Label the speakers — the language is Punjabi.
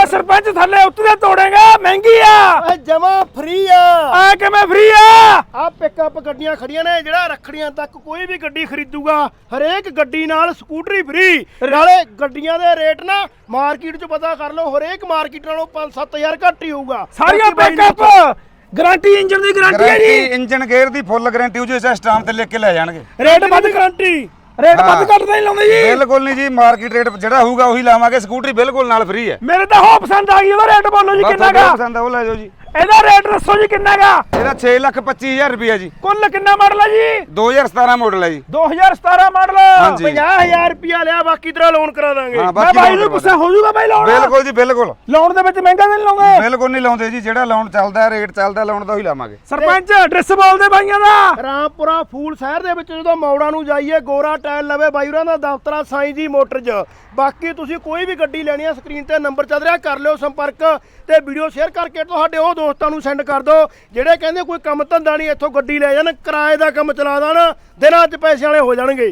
Speaker 1: सरपंच थल्ले उतरे तोड़ेगा महंगी आ
Speaker 2: जमा फ्री आ
Speaker 1: कि मैं फ्री आ
Speaker 2: पिकअप गड्डियां खड़ियां ने जेड़ा रखड़ियां तक कोई भी गड्डी खरीदूगा हरेक गड्डी नाल स्कूटरी फ्री नाले गड्डियां दे रेट ना मार्केट च पता कर लो हरेक मार्केट नालों 5-7 घट ही होऊगा
Speaker 1: सारियां पिकअप गारंटी इंजन दी गारंटी है जी
Speaker 3: इंजन गेयर दी फुल गारंटी हो जो इस स्टाम्प ते लिख के ले जाणगे
Speaker 2: रेट वध गारंटी
Speaker 1: रेट वध घट नहीं लाਉਂਦੇ जी
Speaker 3: बिल्कुल नहीं जी मार्केट रेट जेड़ा होगा वही लावांगे स्कूटरी बिल्कुल नाल फ्री है
Speaker 1: मेरे तो हो पसंद आ गई ਉਹਦਾ ਰੇਟ ਬੋਲੋ ਜੀ ਕਿੰਨਾ ਗਾ
Speaker 3: पसंद है वो ले जाओ जी
Speaker 1: ਇਹਦਾ ਰੇਟ ਦੱਸੋ ਜੀ ਕਿੰਨਾ ਗਾ
Speaker 3: ਇਹਦਾ 6,25,000 ਰੁਪਏ ਜੀ
Speaker 1: ਕੁੱਲ ਕਿੰਨਾ ਮਾਡਲ ਹੈ ਜੀ
Speaker 3: 2017 ਮਾਡਲ ਹੈ ਜੀ
Speaker 1: 2017 ਮਾਡਲ
Speaker 3: ਹਾਂਜੀ
Speaker 2: 50,000 ਰੁਪਿਆ ਲਿਆ ਬਾਕੀ ਤੇਰਾ ਲੋਨ ਕਰਾ ਦਾਂਗੇ
Speaker 3: ਹਾਂ
Speaker 1: ਮੈਂ
Speaker 3: ਬਾਕੀ
Speaker 1: ਬਾਈ ਨੂੰ ਪੁੱਛਿਆ ਹੋ ਜਾਊਗਾ ਬਾਈ ਲੋਨ
Speaker 3: ਬਿਲਕੁਲ ਜੀ ਬਿਲਕੁਲ
Speaker 1: ਲੋਨ ਦੇ ਵਿੱਚ ਮਹਿੰਗਾ ਨਹੀਂ ਲਾਉਂਗੇ
Speaker 3: ਬਿਲਕੁਲ ਨਹੀਂ ਲਾਉਂਦੇ ਜੀ ਜਿਹੜਾ ਲੋਨ ਚੱਲਦਾ ਰੇਟ ਚੱਲਦਾ ਲੋਨ ਦਾ ਹੀ ਲਾਵਾਂਗੇ
Speaker 1: ਸਰਪੰਚ ਐਡਰੈਸ ਬੋਲਦੇ ਬਾਈਆਂ ਦਾ
Speaker 2: ਰਾਮਪੁਰਾ ਫੂਲ ਸ਼ਹਿਰ ਦੇ ਵਿੱਚ ਜਦੋਂ ਮੌੜਾਂ ਨੂੰ ਜਾਈਏ ਗੋਰਾ ਟਾਇਲ ਲਵੇ ਬਾਈ ਹੋਰਾਂ ਦਾ ਦਫ਼ਤਰ ਸਾਈਂ ਜੀ ਮੋਟਰਜ਼ ਬਾਕੀ ਤੁਸੀਂ ਕੋਈ ਵੀ ਗੱਡੀ ਲੈਣੀ ਆ ਸਕਰੀਨ ਤੇ ਨੰਬਰ ਚੱਲ ਰਿਹਾ ਕਰ ਲਿਓ ਸੰਪਰਕ ਤੇ ਵੀਡੀਓ ਸ਼ੇਅਰ ਕਰਕੇ ਤੁਹਾਡੇ ਉਹ ਦੋਸਤਾਂ ਨੂੰ ਸੈਂਡ ਕਰ ਦਿਓ ਜਿਹੜੇ ਕਹਿੰਦੇ ਕੋਈ ਕੰਮ ਧੰਦਾ ਨਹੀਂ ਇੱਥੋਂ ਗੱਡੀ ਲੈ ਜਾਣ ਕਿਰਾਏ ਦਾ ਕੰਮ ਚਲਾ ਦੇਣ ਦਿਨਾਂ 'ਚ ਪੈਸੇ ਵਾਲੇ ਹੋ ਜਾਣਗੇ।